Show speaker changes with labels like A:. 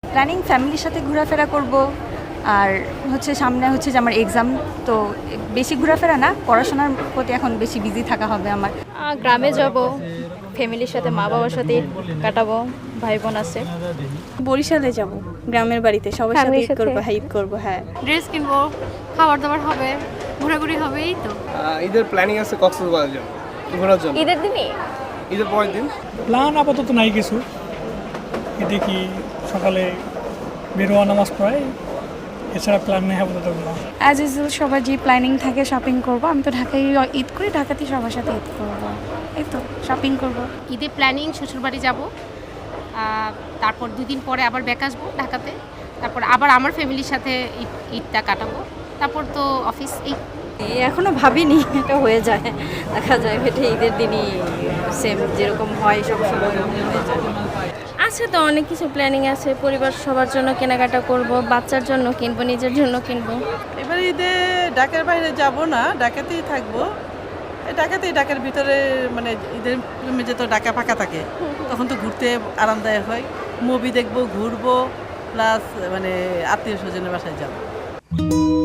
A: Planning ফ্যামিলির সাথে ঘোরাফেরা করব, আর হচ্ছে সামনে হচ্ছে যে আমার এক্সাম, তো বেশি ঘোরাফেরা না, পড়াশোনার প্রতি এখন বেশি বিজি থাকা হবে আমার।
B: গ্রামে যাব, ফ্যামিলির সাথে মা বাবার সাথে কাটাবো, ভাই বোন আছে।
C: বরিশালে যাব, গ্রামের বাড়িতে সবার সাথে
B: Family-র
C: ঈদ করবো,
B: সাথে?
C: হ্যাঁ ঈদ করবো, হ্যাঁ।
D: ড্রেস কিনবো, খাবার দাবার হবে, ঘোরাঘুরি হবে, এই তো।
E: ঈদের প্ল্যানিং আছে কক্সবাজার যাবো ঘোরার জন্য।
B: ঈদের দিনই
E: ঈদের পরের দিন
F: প্ল্যান আপাতত নাই কিছু, দেখি সকালে বেরোয়া নামাজ পড়াই, এছাড়া প্ল্যান নেই আপাতত কোনো।
C: অ্যাজ ইউজুয়াল সবার যে প্ল্যানিং থাকে শপিং করব, আমি তো ঢাকায় ঈদ করি, ঢাকাতেই সবার সাথে ঈদ করবো, এই তো শপিং করব।
D: ঈদের প্ল্যানিং শ্বশুরবাড়ি যাব, তারপর 2 দিন পরে আবার ব্যাক আসবো ঢাকাতে, তারপর আবার আমার ফ্যামিলির সাথে ঈদটা কাটাবো, তারপর তো অফিস। এই
B: এখনো ভাবিনি, এটা হয়ে যায়, দেখা যায় এটা ঈদের দিনই সেম যেরকম হয় সব সময় হয়ে যায়।
G: আছে তো অনেক কিছু প্ল্যানিং আছে, পরিবার সবার জন্য কেনাকাটা করব, বাচ্চার জন্য কিনবো, নিজের জন্য কিনবো।
H: এবার ঈদে ঢাকার বাইরে যাব না, ঢাকাতেই থাকবো। ঢাকার ভিতরে মানে ঈদের যে তো ঢাকা ফাঁকা থাকে, তখন তো ঘুরতে আরামদায়ক হয়। মুভি দেখবো, ঘুরবো, প্লাস মানে আত্মীয় স্বজনের বাসায় যাবো।